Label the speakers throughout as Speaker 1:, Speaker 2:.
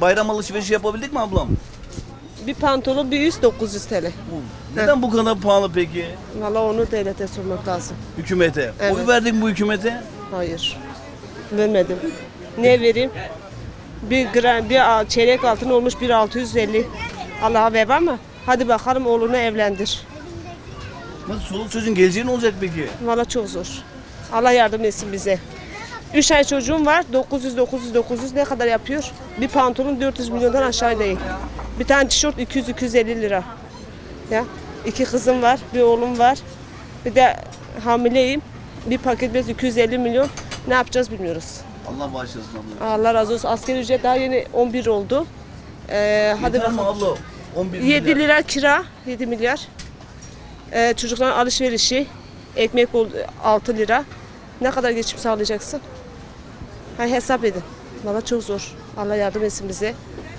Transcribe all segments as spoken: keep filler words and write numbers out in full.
Speaker 1: bayram alışverişi yapabildik mi ablam?
Speaker 2: Bir pantolon bir üst dokuz yüz T L.
Speaker 1: Neden bu kadar pahalı peki?
Speaker 2: Valla onu devlete sormak lazım.
Speaker 1: Hükümete.
Speaker 2: Evet.
Speaker 1: Oy verdin bu hükümete?
Speaker 2: Hayır. Vermedim. Ne vereyim? Bir gram, bir çeyrek altın olmuş bir altı yüz elli. Allah'a ver ama hadi bakalım oğlunu evlendir.
Speaker 1: Nasıl çoluk çocuğun geleceği ne olacak peki?
Speaker 2: Valla çok zor. Allah yardım etsin bize. Üç ay çocuğum var. dokuz yüz dokuz yüz dokuz yüz ne kadar yapıyor? Bir pantolon dört yüz milyondan aşağı değil. Bir tane tişört iki yüz iki yüz elli lira. Ya iki kızım var, bir oğlum var. Bir de hamileyim. Bir paket bez iki yüz elli milyon. Ne yapacağız bilmiyoruz.
Speaker 1: Allah bağışlasın abla.
Speaker 2: Allah razı olsun. Asgari ücret daha yeni on bir oldu. Ee, hadi
Speaker 1: Yeter mi
Speaker 2: bakalım.
Speaker 1: abla? on bir
Speaker 2: yedi
Speaker 1: milyar.
Speaker 2: lira kira, yedi milyar. Ee, çocukların alışverişi, ekmek oldu altı lira. Ne kadar geçim sağlayacaksın? Ha, hesap edin. Valla çok zor. Allah yardım etsin bize.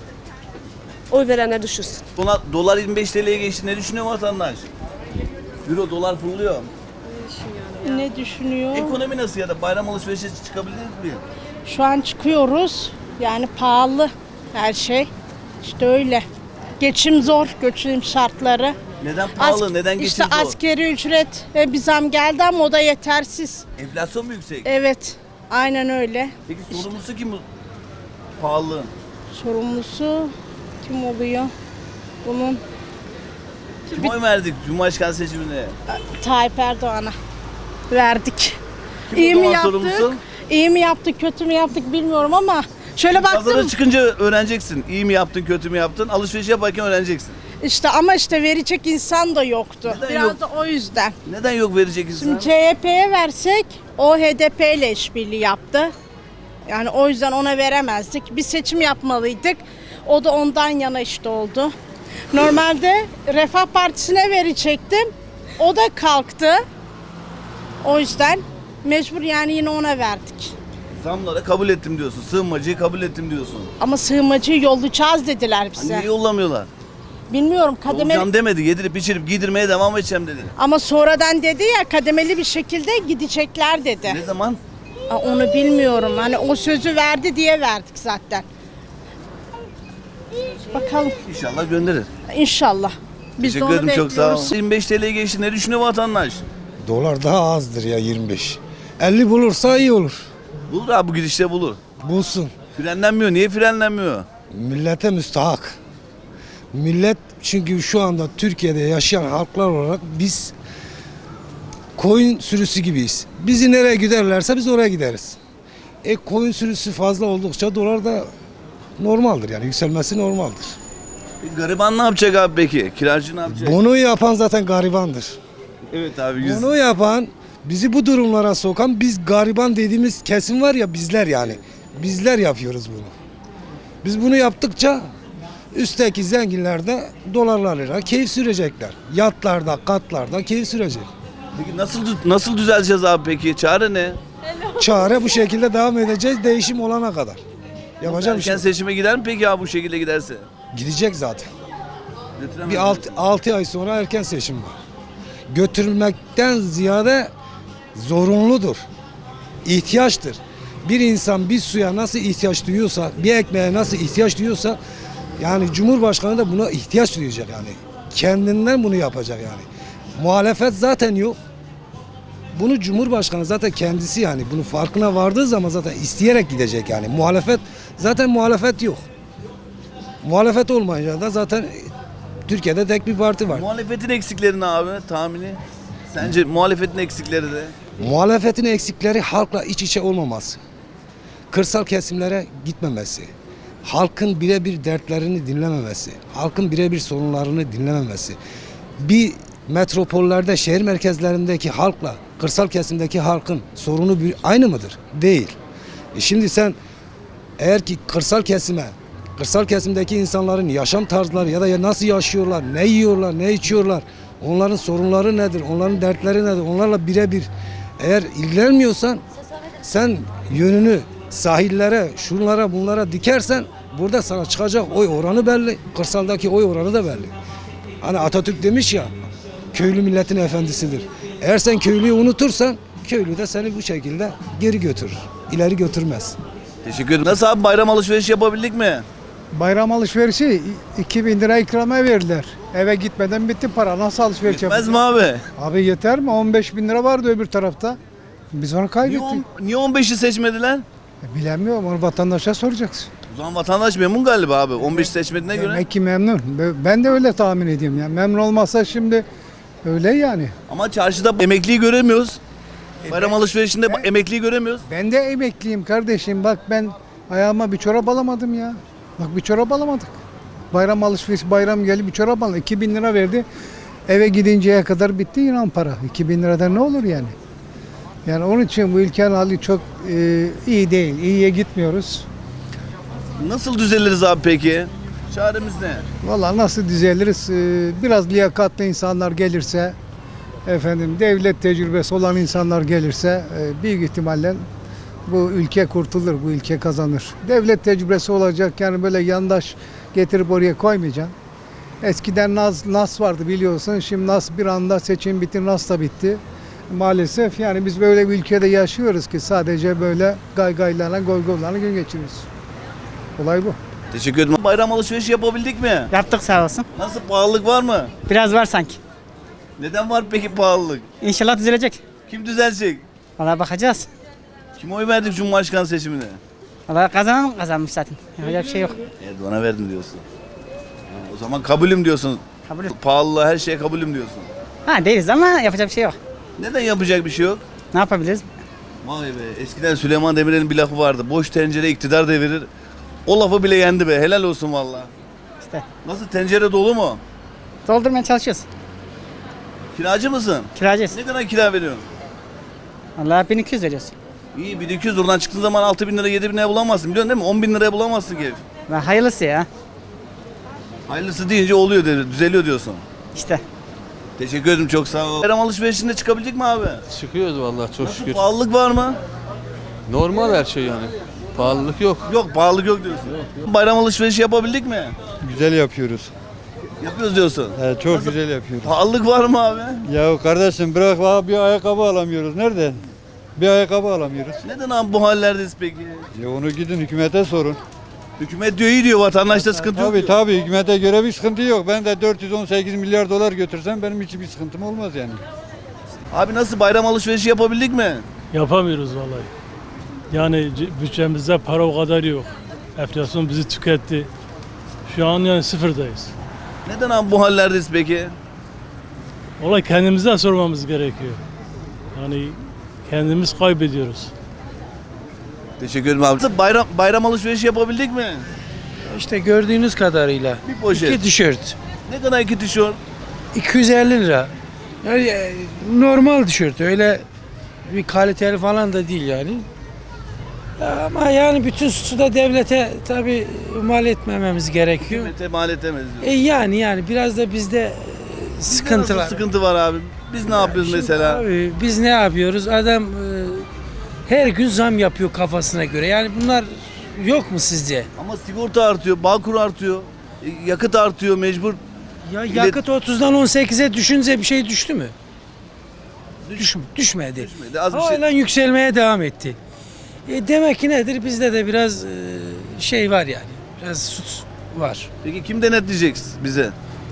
Speaker 2: Oy verenler düşünsün.
Speaker 1: Dolar, dolar yirmi beş T L'ye geçti. Ne düşünüyor vatandaş? Euro dolar fırlıyor.
Speaker 3: Ne düşünüyor?
Speaker 1: Ekonomi nasıl ya da bayram alışverişe çıkabilir mi?
Speaker 3: Şu an çıkıyoruz. Yani pahalı her şey. İşte öyle. Geçim zor, geçim şartları.
Speaker 1: Neden pahalı?
Speaker 3: As-
Speaker 1: Neden geçim
Speaker 3: İşte
Speaker 1: zor?
Speaker 3: askeri ücret ve bir zam geldi ama o da yetersiz.
Speaker 1: Enflasyon mu yüksek?
Speaker 3: Evet, aynen öyle.
Speaker 1: Peki sorumlusu kim bu pahalılığın?
Speaker 3: Sorumlusu kim oluyor? Bunun
Speaker 1: Kim oy verdik Cumhurbaşkanı seçimine?
Speaker 3: Tayyip Erdoğan'a verdik.
Speaker 1: Kim
Speaker 3: İyi
Speaker 1: o
Speaker 3: mi
Speaker 1: zaman
Speaker 3: yaptık?
Speaker 1: sorumlusu?
Speaker 3: İyi mi yaptık, kötü mü yaptık bilmiyorum ama şöyle
Speaker 1: Pazara
Speaker 3: baktım.
Speaker 1: çıkınca öğreneceksin. İyi mi yaptın, kötü mü yaptın? Alışveriş yaparken öğreneceksin.
Speaker 3: İşte ama işte verecek insan da yoktu.
Speaker 1: Neden
Speaker 3: Biraz
Speaker 1: yok?
Speaker 3: da o yüzden.
Speaker 1: Neden yok verecek insan?
Speaker 3: Şimdi C H P'ye versek o H D P ile işbirliği yaptı. Yani o yüzden ona veremezdik. Bir seçim yapmalıydık. O da ondan yana işte oldu. Normalde Refah Partisi'ne verecektim. O da kalktı. O yüzden mecbur yani yine ona verdik.
Speaker 1: Zamlara kabul ettim diyorsun. Sığınmacıyı kabul ettim diyorsun.
Speaker 3: Ama sığınmacıyı yollayacağız dediler
Speaker 1: Hani
Speaker 3: bize.
Speaker 1: niye yollamıyorlar?
Speaker 3: Bilmiyorum kademeli.
Speaker 1: Olacağım demedi. Yedirip içirip giydirmeye devam edeceğim dedi.
Speaker 3: Ama sonradan dedi ya kademeli bir şekilde gidecekler dedi.
Speaker 1: Ne zaman?
Speaker 3: Aa, onu bilmiyorum. Hani o sözü verdi diye verdik zaten. Bakalım
Speaker 1: İnşallah gönderir.
Speaker 3: inşallah. Biz de
Speaker 1: Teşekkür
Speaker 3: onu
Speaker 1: ederim, çok sağ ol.
Speaker 3: bekliyoruz.
Speaker 1: yirmi beş T L'ye geçti. Ne düşünüyor vatandaş?
Speaker 4: Dolar daha azdır ya yirmi beş. elli bulursa iyi olur.
Speaker 1: Bulur abi, bu gidişte bulur.
Speaker 4: Bulsun.
Speaker 1: Frenlenmiyor. Niye frenlenmiyor?
Speaker 4: Millete müstahak. Millet çünkü şu anda Türkiye'de yaşayan halklar olarak biz koyun sürüsü gibiyiz. Bizi nereye giderlerse biz oraya gideriz. E koyun sürüsü fazla oldukça dolar da normaldir yani yükselmesi normaldir.
Speaker 1: E, gariban ne yapacak abi peki? Kiracı ne yapacak?
Speaker 4: Bunu yapan zaten garibandır.
Speaker 1: Evet abi. Yüz...
Speaker 4: Bunu yapan, bizi bu durumlara sokan biz gariban dediğimiz kesim var ya bizler yani. Bizler yapıyoruz bunu. Biz bunu yaptıkça üstteki zenginler de dolarlarıyla keyif sürecekler. Yatlarda, katlarda keyif sürecek.
Speaker 1: Peki nasıl nasıl düzeleceğiz abi peki? Çare ne?
Speaker 4: Çare bu şekilde devam edeceğiz değişim olana kadar. Yapacak bir şey
Speaker 1: Erken
Speaker 4: yok.
Speaker 1: seçime gider mi peki abi bu şekilde giderse?
Speaker 4: Gidecek zaten.
Speaker 1: Götüremez
Speaker 4: Bir
Speaker 1: mi?
Speaker 4: altı ay sonra erken seçim var. Götürmekten ziyade zorunludur. İhtiyaçtır. Bir insan bir suya nasıl ihtiyaç duyuyorsa, bir ekmeğe nasıl ihtiyaç duyuyorsa yani Cumhurbaşkanı da buna ihtiyaç duyacak yani. Kendinden bunu yapacak yani. Muhalefet zaten yok. Bunu Cumhurbaşkanı zaten kendisi yani bunun farkına vardığı zaman zaten isteyerek gidecek yani. Muhalefet zaten muhalefet yok. Muhalefet olmayınca da zaten Türkiye'de tek bir parti var.
Speaker 1: Muhalefetin eksikleri ne abi tahmini? Sence muhalefetin eksikleri de?
Speaker 4: Muhalefetin eksikleri halkla iç içe olmaması. Kırsal kesimlere gitmemesi. Halkın birebir dertlerini dinlememesi. Halkın birebir sorunlarını dinlememesi. Bir metropollerde, şehir merkezlerindeki halkla kırsal kesimdeki halkın sorunu bir, aynı mıdır? Değil. E şimdi sen eğer ki kırsal kesime, kırsal kesimdeki insanların yaşam tarzları ya da nasıl yaşıyorlar, ne yiyorlar, ne içiyorlar, onların sorunları nedir, onların dertleri nedir, onlarla birebir eğer ilgilenmiyorsan sen yönünü sahillere, şunlara, bunlara dikersen burada sana çıkacak oy oranı belli, kırsaldaki oy oranı da belli. Hani Atatürk demiş ya, köylü milletin efendisidir. Eğer sen köylüyü unutursan, köylü de seni bu şekilde geri götürür, ileri götürmez.
Speaker 1: Teşekkür ederim. Nasıl abi bayram alışverişi yapabildik mi?
Speaker 5: Bayram alışverişi iki bin lira ikramiye verdiler. Eve gitmeden bitti para. Nasıl alışveriş
Speaker 1: Yetmez
Speaker 5: yapacağız?
Speaker 1: mi abi?
Speaker 5: Abi yeter mi? on beş bin lira vardı öbür tarafta. Biz onu
Speaker 1: Niye,
Speaker 5: kaybettik.
Speaker 1: on, niye on beşi seçmediler?
Speaker 5: E, Bilemiyorum, onu vatandaşa soracaksın.
Speaker 1: O zaman vatandaş memnun galiba abi. on beş seçmediğine göre.
Speaker 5: Demek ki memnun. Be- Ben de öyle tahmin ediyorum. Yani memnun olmazsa şimdi öyle yani.
Speaker 1: Ama çarşıda emekliyi göremiyoruz. Bayram alışverişinde emekliyi göremiyoruz.
Speaker 5: Ben de emekliyim kardeşim. Bak ben ayağıma bir çorap alamadım ya. Bak bir çorap alamadık. Bayram alışveriş, bayram geldi bir çorap alamadım. iki bin lira verdi. Eve gidinceye kadar bitti inan para. iki bin liradan ne olur yani? Yani onun için bu ülkenin hali çok e, iyi değil. İyiye gitmiyoruz.
Speaker 1: Nasıl düzeliriz abi peki? Çaremiz ne?
Speaker 5: Vallahi nasıl düzeliriz? E, biraz liyakatli insanlar gelirse, efendim devlet tecrübesi olan insanlar gelirse e, büyük ihtimalle bu ülke kurtulur, bu ülke kazanır. Devlet tecrübesi olacak yani böyle yandaş getirip oraya koymayacaksın. Eskiden Naz, Nas vardı biliyorsun. Şimdi Nas bir anda seçim bitti, Nas da bitti. Maalesef yani biz böyle bir ülkede yaşıyoruz ki sadece böyle gaygaylarla, goygoylarla gün geçiriyoruz. Olay bu.
Speaker 1: Teşekkür ederim. Bayram alışverişi yapabildik mi?
Speaker 6: Yaptık sağ olsun.
Speaker 1: Nasıl, pahalılık var mı?
Speaker 6: Biraz var sanki.
Speaker 1: Neden var peki pahalılık?
Speaker 6: İnşallah düzelecek.
Speaker 1: Kim düzelecek?
Speaker 6: Valla bakacağız.
Speaker 1: Kime oy verdik Cumhurbaşkanı seçiminde?
Speaker 6: Valla kazanan kazanmış zaten. Yapacak bir şey yok.
Speaker 1: Erdoğan'a verdim diyorsun. Ha, o zaman kabulüm diyorsun.
Speaker 6: Kabul.
Speaker 1: Pahalılığa her şeye kabulüm diyorsun.
Speaker 6: Ha değiliz ama yapacak bir şey yok.
Speaker 1: Neden yapacak bir şey yok?
Speaker 6: Ne yapabiliriz?
Speaker 1: Vay be, eskiden Süleyman Demirel'in bir lafı vardı. Boş tencere iktidar devirir. O lafı bile yendi be. Helal olsun valla.
Speaker 6: İşte
Speaker 1: Nasıl, tencere dolu mu?
Speaker 6: doldurmaya çalışıyoruz.
Speaker 1: Kiracı mısın?
Speaker 6: Kiracıyız.
Speaker 1: Ne kadar kira veriyorsun?
Speaker 6: Valla bin iki yüz veriyoruz.
Speaker 1: İyi, bin iki yüz oradan çıktığın zaman altı bin lira yedi bin liraya bulamazsın, biliyorsun değil mi? on bin liraya bulamazsın ki ev.
Speaker 6: Ve hayırlısı ya.
Speaker 1: Hayırlısı deyince oluyor, dedi, düzeliyor diyorsun.
Speaker 6: İşte.
Speaker 1: Teşekkür ederim, çok sağ ol. Bayram alışverişinde çıkabildik mi abi?
Speaker 7: Çıkıyoruz vallahi çok şükür.
Speaker 1: Pahalılık var mı?
Speaker 7: Normal her şey yani. Pahalılık yok.
Speaker 1: Yok, pahalılık yok diyorsun. Bayram alışverişi yapabildik mi?
Speaker 8: Güzel yapıyoruz.
Speaker 1: Yapıyoruz diyorsun.
Speaker 8: He, çok güzel yapıyoruz.
Speaker 1: Pahalılık var mı abi?
Speaker 8: Ya kardeşim bırak valla bir ayakkabı alamıyoruz. Nerede? Bir ayakkabı alamıyoruz.
Speaker 1: Neden abi bu hallerdeyiz peki?
Speaker 8: Ya onu gidin hükümete sorun.
Speaker 1: Hükümet diyor iyi diyor, vatandaşta sıkıntı yok
Speaker 8: Tabii
Speaker 1: diyor.
Speaker 8: tabii hükümete göre bir sıkıntı yok. Ben de dört yüz on sekiz milyar dolar götürsem benim hiçbir sıkıntım olmaz yani.
Speaker 1: Abi nasıl, bayram alışverişi yapabildik mi?
Speaker 9: Yapamıyoruz vallahi. Yani c- bütçemizde para o kadar yok. Enflasyon bizi tüketti. Şu an yani sıfırdayız.
Speaker 1: Neden abi bu hallerdeyiz peki?
Speaker 9: Olay kendimizden sormamız gerekiyor. Yani kendimiz kaybediyoruz.
Speaker 1: Teşekkür ederim abi. Nasıl, bayram, bayram alışverişi yapabildik mi?
Speaker 10: İşte gördüğünüz kadarıyla.
Speaker 1: Bir poşet.
Speaker 10: İki tişört.
Speaker 1: Ne kadar iki tişört?
Speaker 10: iki yüz elli lira. Yani e, normal tişört. Öyle bir kaliteli falan da değil yani. Ya ama yani bütün suçu da devlete tabii mal etmememiz gerekiyor.
Speaker 1: Hükümete mal edemeyiz diyor.
Speaker 10: E yani yani biraz da bizde e,
Speaker 1: Bizde
Speaker 10: sıkıntı
Speaker 1: nasıl
Speaker 10: var.
Speaker 1: sıkıntı var abi? Biz ne yapıyoruz
Speaker 10: Şimdi
Speaker 1: mesela?
Speaker 10: Abi biz ne yapıyoruz? Adam e, her gün zam yapıyor kafasına göre. Yani bunlar yok mu sizce?
Speaker 1: Ama sigorta artıyor, Bağkur artıyor, e, yakıt artıyor mecbur.
Speaker 10: Ya
Speaker 1: Bilet-
Speaker 10: yakıt otuzdan on sekize düşünce bir şey düştü mü? Düş, düşmedi.
Speaker 1: Düşmedi, az bir şey-
Speaker 10: Halen yükselmeye devam etti. E demek ki nedir? Bizde de biraz e, şey var yani. Biraz suç var.
Speaker 1: Peki kim denetleyecek bize?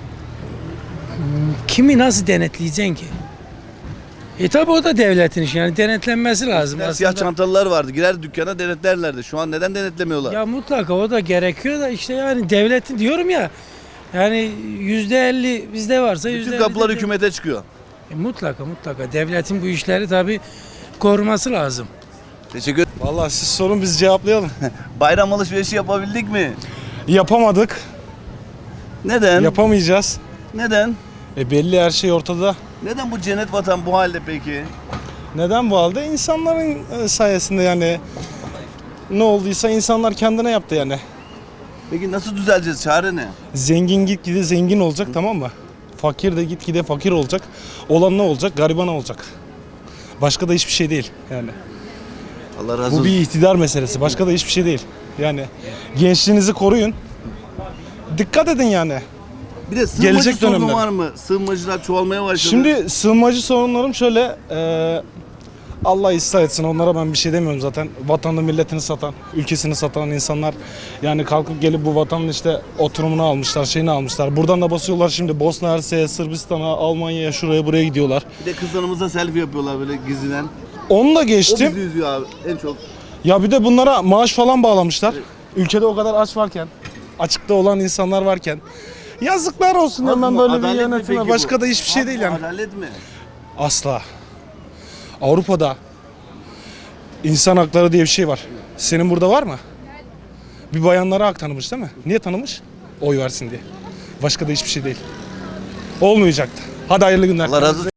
Speaker 10: Kimi nasıl denetleyeceksin ki? E tabi o da devletin işi. Yani denetlenmesi lazım
Speaker 1: Eskiden siyah
Speaker 10: aslında.
Speaker 1: çantalılar vardı. Girer dükkana denetlerlerdi. Şu an neden denetlemiyorlar?
Speaker 10: Ya mutlaka o da gerekiyor da işte yani devletin diyorum ya. Yani yüzde elli bizde varsa yüzde
Speaker 1: Bütün
Speaker 10: elli
Speaker 1: kapılar
Speaker 10: de-
Speaker 1: hükümete çıkıyor.
Speaker 10: E, mutlaka mutlaka devletin bu işleri tabi koruması lazım.
Speaker 1: Teşekkür ederim.
Speaker 11: Vallahi siz sorun biz cevaplayalım.
Speaker 1: Bayram alışverişi yapabildik mi?
Speaker 11: Yapamadık.
Speaker 1: Neden?
Speaker 11: Yapamayacağız.
Speaker 1: Neden?
Speaker 11: E belli her şey ortada.
Speaker 1: Neden bu cennet vatan bu halde peki?
Speaker 11: Neden bu halde? İnsanların e, sayesinde yani ne olduysa insanlar kendine yaptı yani.
Speaker 1: Peki nasıl düzeleceğiz? Çare ne?
Speaker 11: Zengin gitgide zengin olacak, tamam mı? Fakir de gitgide fakir olacak. Olan ne olacak? Gariban olacak. Başka da hiçbir şey değil yani.
Speaker 1: Allah razı
Speaker 11: Bu
Speaker 1: olsun.
Speaker 11: bir iktidar meselesi. Başka da hiçbir şey değil. Yani gençliğinizi koruyun. Dikkat edin yani.
Speaker 1: Bir de sığınmacı
Speaker 11: Gelecek
Speaker 1: sorunu
Speaker 11: dönemler.
Speaker 1: var mı? Sığınmacılar çoğalmaya başladı.
Speaker 11: Şimdi sığınmacı sorunlarım şöyle, e, Allah ıslah etsin, onlara ben bir şey demiyorum zaten. Vatanını milletini satan, ülkesini satan insanlar yani kalkıp gelip bu vatanın işte oturumunu almışlar, şeyini almışlar. Buradan da basıyorlar şimdi Bosna Hersek'e, Sırbistan'a, Almanya'ya, şuraya buraya gidiyorlar.
Speaker 1: Bir de kızlarımızla selfie yapıyorlar böyle gizliden.
Speaker 11: Onu da
Speaker 1: O
Speaker 11: geçtim.
Speaker 1: bizi üzüyor abi en çok.
Speaker 11: Ya bir de bunlara maaş falan bağlamışlar. Ülkede o kadar aç varken, açıkta olan insanlar varken. Yazıklar olsun
Speaker 1: Az
Speaker 11: hemen
Speaker 1: mı?
Speaker 11: böyle
Speaker 1: Adalet
Speaker 11: bir
Speaker 1: mi
Speaker 11: yönetime.
Speaker 1: peki
Speaker 11: Başka
Speaker 1: bu?
Speaker 11: da hiçbir şey
Speaker 1: Az
Speaker 11: değil
Speaker 1: mı?
Speaker 11: yani.
Speaker 1: Adalet mi?
Speaker 11: Asla. Avrupa'da insan hakları diye bir şey var. Senin burada var mı? Bir bayanlara hak tanımış değil mi? Niye tanımış? Oy versin diye. Başka da hiçbir şey değil. Olmayacaktı. Hadi hayırlı günler.
Speaker 1: Allah razı olsun.